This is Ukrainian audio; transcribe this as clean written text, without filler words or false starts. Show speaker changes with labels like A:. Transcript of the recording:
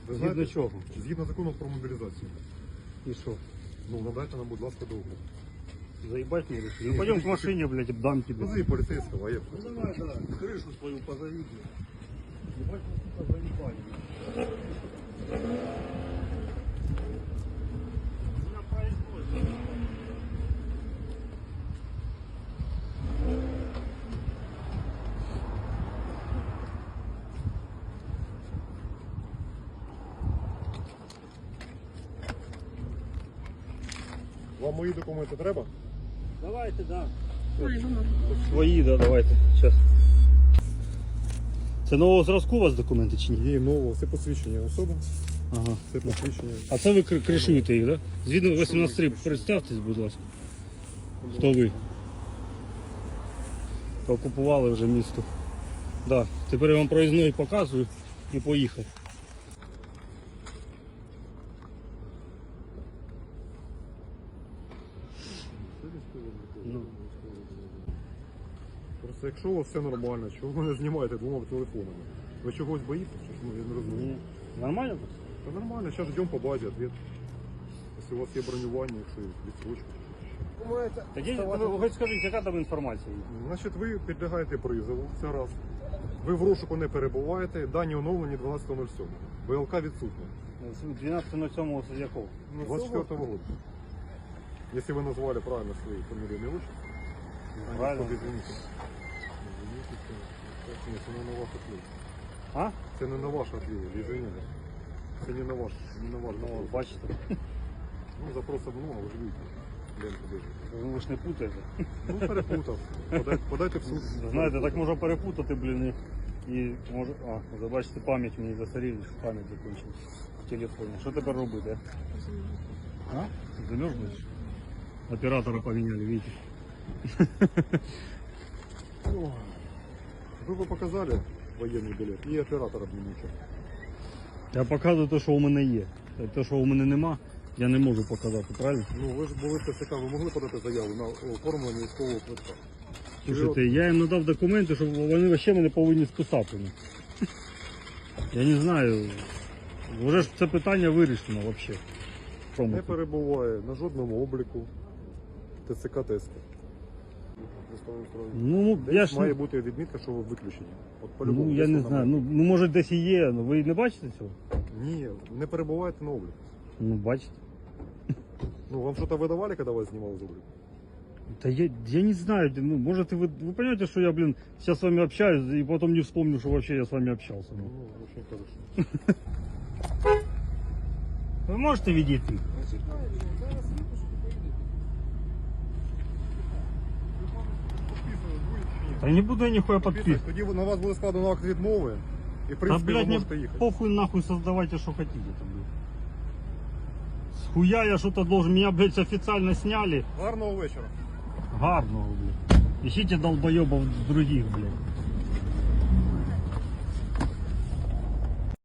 A: Ви
B: Згідно
A: знаєте,
B: чого?
A: згідно закону про мобілізацію.
B: І що?
A: Ну, надайте нам, будь ласка, договір.
B: Заебать мне? Ну пойдем к машине, блядь, обдам тебе.
A: Позови поліцейського, а я.
B: Ну давай, да, крышу свою позови, блядь. Ебать, мы, сука, заебали. Меня производят.
A: Вам мої документи треба?
B: Давайте, да. Свої, да, давайте. Сейчас. Це нового зразку у вас документи чи ні?
A: Ні, нового, це посвідчення особи,
B: Ага.
A: це посвідчення.
B: А це ви кришуєте їх, так? Да? Згідно 18.3, представтесь, будь ласка. Хто ви? Окупували вже місто. Да. Тепер я вам проїзної показую і поїхав. Ну.
A: Просто якщо у вас все нормально, чого ви не знімаєте двома телефонами? Ви чогось боїтеся? Чи ж? Ну, я не розумію.
B: Ні. Нормально тут?
A: Та нормально, зараз ждемо по базі відповідь. Якщо у вас є бронювання, якщо є відсрочка.
B: Тоді ви хоч скажіть, яка там інформація?
A: Значить, ви підлягаєте призову, це раз. Ви в розшуку не перебуваєте, дані оновлені 12.07. ВЛК відсутня.
B: 12.07 з якого?
A: 24 года. Если вы назвали правильно свои фамилии и отчество,
B: Правильно.
A: извините. Ні, це не на ваш ответ.
B: А?
A: Це не на ваш ответ, извините. Це не на ваш, не на ваш
B: Ну,
A: запрос.
B: бачите.
A: Ну, запросов много, ви ж видите. Ленту держите.
B: Ви ж не путаєте.
A: Ну, перепутав. Подайте в суд.
B: Знаєте, так можна перепутати, блін, і може... А, забачите, пам'ять мені застаріла, що пам'ять закінчилась в телефоні. Що тепер робити? А? Замерз будеш? Оператора поміняли, видите?
A: Ви б показали воєнний білет і оператора б не нічого.
B: Я показую те, що у мене є. Те, що у мене нема, я не можу показати, правильно?
A: Ну, ви ж були в ТЦК, ви могли подати заяву на оформлення військового квитка?
B: Слушайте, я їм надав документи, щоб вони взагалі мене повинні списати. Я не знаю. Вже ж це питання вирішено взагалі.
A: Не перебуває на жодному обліку ТЦК тесту.
B: Ну, я ж
A: Має бути відмітка, що ви виключені. От
B: ну,
A: по-любому,
B: я
A: десь
B: не
A: вона
B: знаю.
A: має
B: Ну, може десь і є, але ви не бачите цього?
A: бути. Ні, не перебуваєте на обліку.
B: Ну, бачите.
A: Ну, вам що-то видавали, коли вас знімали з обліку?
B: Да я не знаю, ну, может вы понимаете, что я, блин, сейчас с вами общаюсь и потом не вспомню, что вообще я с вами общался.
A: Ну,
B: Ну.
A: очень хорошо.
B: Вы можете видеть? Да не буду я нихуя подписывать.
A: Тоді на вас буде складено акт відмови, і в
B: Да,
A: принципі ви
B: блядь, мне
A: можете їхати.
B: похуй нахуй создавайте, что хотите там, блядь. Схуя я что-то должен, меня, блядь, официально сняли.
A: Гарного вечора.
B: Гарного, блядь. Ищите долбоебов других, блядь.